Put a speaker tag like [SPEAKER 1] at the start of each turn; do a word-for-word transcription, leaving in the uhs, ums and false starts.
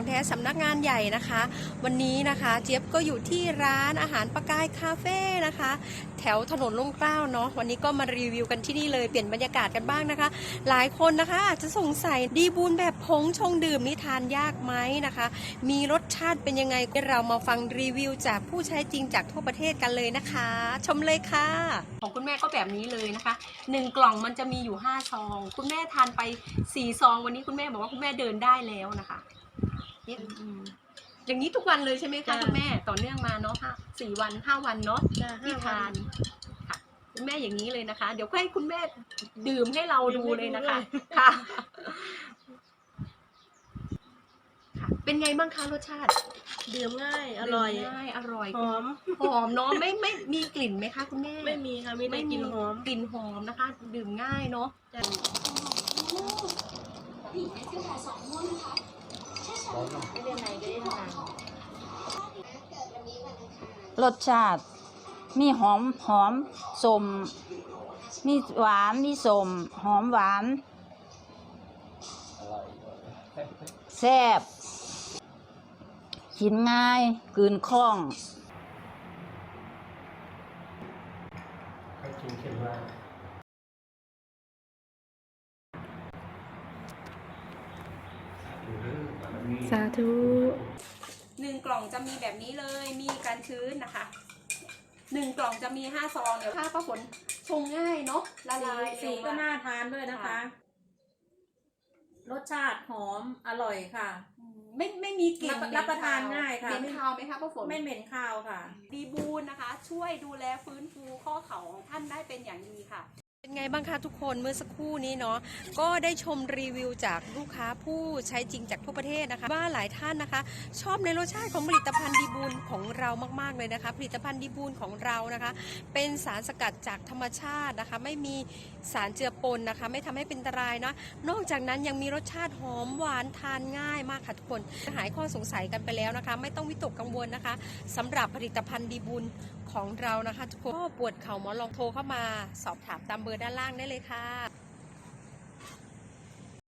[SPEAKER 1] แท้สำนักงานใหญ่นะคะวันนี้นะคะเจี๊ยบก็อยู่ที่ร้านอาหารปากายคาเฟ่นะคะแถวถนนร่มเกล้าเนาะวันนี้ก็มารีวิวกันที่นี่เลยเปลี่ยนบรรยากาศกันบ้างนะคะหลายคนนะคะอาจจะสงสัยดีบูนแบบผงชงดื่มนี่ทานยากไหมนะคะมีรสชาติเป็นยังไงเรามาฟังรีวิวจากผู้ใช้จริงจากทั่วประเทศกันเลยนะคะชมเลยค่ะของคุณแม่ก็แบบนี้เลยนะคะหนึ่งกล่องมันจะมีอยู่ห้าซองคุณแม่ทานไปสี่ซองวันนี้คุณแม่บอกว่าคุณแม่เดินได้แล้วนะคะนี่อย่างนี้ทุกวันเลยใช่ไหมคะคุณแม่ต่อเนื่องมาเนาะห้าสี่วันห้าวันเนาะที่ทานค่ะคุณแม่อย่างนี้เลยนะคะเดี๋ยวให้คุณแม่ดื่มให้เราดูเลยนะคะค่ะเป็นไงบ้างคะรสชาติ
[SPEAKER 2] ดื่มง่ายอร่อย
[SPEAKER 1] ง่ายอร่อย
[SPEAKER 2] หอม
[SPEAKER 1] หอมเนาะไม่ไม่มีกลิ่นไหมคะคุณแม่
[SPEAKER 2] ไม่มีค่ะมีแต่กลิ่นหอม
[SPEAKER 1] กลิ่นหอมนะคะดื่มง่ายเนาะ
[SPEAKER 3] รสชาติมีหอมหอมสมมีหวานมีสมหอมหวานแซ่บกินง่ายกลืนคล่อง
[SPEAKER 2] สาธุ
[SPEAKER 1] หนึ่งกล่องจะมีแบบนี้เลยมีการชื้นนะคะหนึ่งกล่องจะมีห้าซองเดี๋ยวถ้าป้าฝนชงง่ายเนาะละลาย
[SPEAKER 2] สีก็น่าทานด้วยนะคะรสชาติหอมอร่อยค่ะ
[SPEAKER 1] ไม่ไม่มีกลิ่น
[SPEAKER 2] รับประทานง่ายค่ะ
[SPEAKER 1] เหม็นคาวไหมคะป้าฝน
[SPEAKER 2] ไม่เหม็นคาวค่ะ
[SPEAKER 1] ดีบูนนะคะช่วยดูแลฟื้นฟูข้อเข่าของท่านได้เป็นอย่างดีค่ะเป็นไงบ้างคะทุกคนเมื่อสักครู่นี้เนาะก็ได้ชมรีวิวจากลูกค้าผู้ใช้จริงจากทั่วประเทศนะคะว่าหลายท่านนะคะชอบในรสชาติของผลิตภัณฑ์ดีบูนของเรามากๆเลยนะคะผลิตภัณฑ์ดีบูนของเรานะคะเป็นสารสกัดจากธรรมชาตินะคะไม่มีสารเจือปนนะคะไม่ทำให้เป็นอันตรายนะนอกจากนั้นยังมีรสชาติหอมหวานทานง่ายมากค่ะทุกคนหายข้อสงสัยกันไปแล้วนะคะไม่ต้องวิตกกังวลนะคะสำหรับผลิตภัณฑ์ดีบูนของเรานะคะทุกคนก็ปวดเข่าหมอนลองโทรเข้ามาสอบถามตามเบอร์ด้านล่างได้เลยค่ะ